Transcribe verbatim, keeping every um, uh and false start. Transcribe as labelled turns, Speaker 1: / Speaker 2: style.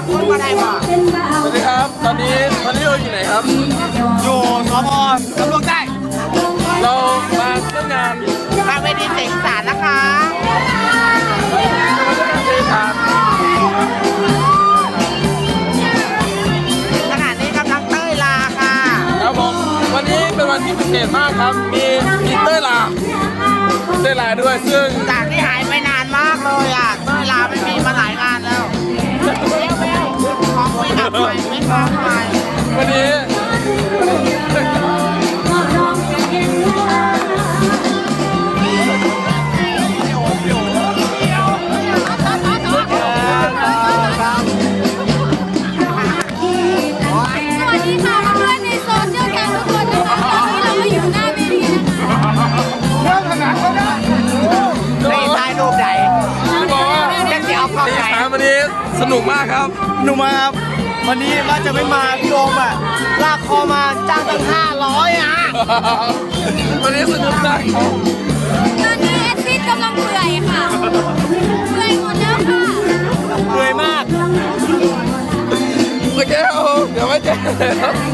Speaker 1: คนมาได้ป่ะ
Speaker 2: สวัสดีครับ ตอนนี้ตอนนี้เราอยู่ไหนครับ
Speaker 1: อยู่สพตำรวจได้
Speaker 2: เรามาเที่ยวงาน
Speaker 1: มาเวทีเสียงสารนะคะ
Speaker 2: จะมาเที่ยวงานเททาน
Speaker 1: ขณะนี้กำลังเต้ยลาค่ะ
Speaker 2: ครับผมวันนี้เป็นวันที่พิเศษมากครับ มีมีเต้ยลาเต้ยลาด้วยซึ่ง
Speaker 1: จากที่หายไปนานมากเลยอ่ะเต้ยลาไม่มีมาหลายงานแล้วของไม่ดับไปไม่ฟ้องไป
Speaker 2: วันนี้
Speaker 3: สวัสดีค่ะเพื่อนในโซเชียลแกงทุกคนนะคะตอนนี้เราก็อยู่หน้าเวทีนะคะ
Speaker 1: ในท้ายรูปไหน
Speaker 2: จะบอกว่า
Speaker 1: จะจะเอาเข้า
Speaker 2: ตี
Speaker 1: ไหน
Speaker 2: สามวันนี้สนุกมากครับ
Speaker 4: หนุ่มครับวันนี้ว่าจะไม่มาพี่โอมอ่ะลากคอมาจ้างตั้งห้าร้อยอ่ะ
Speaker 2: วันนี้สนุกมากครับ
Speaker 3: ตอนนี้เอสซิดกำลังเปื่อยค่ะเปื่อยหมดแล้วค่ะ
Speaker 4: เหนื่อยมาก
Speaker 2: โอเคครับผมเดี๋ยวไว้เจอกันครับ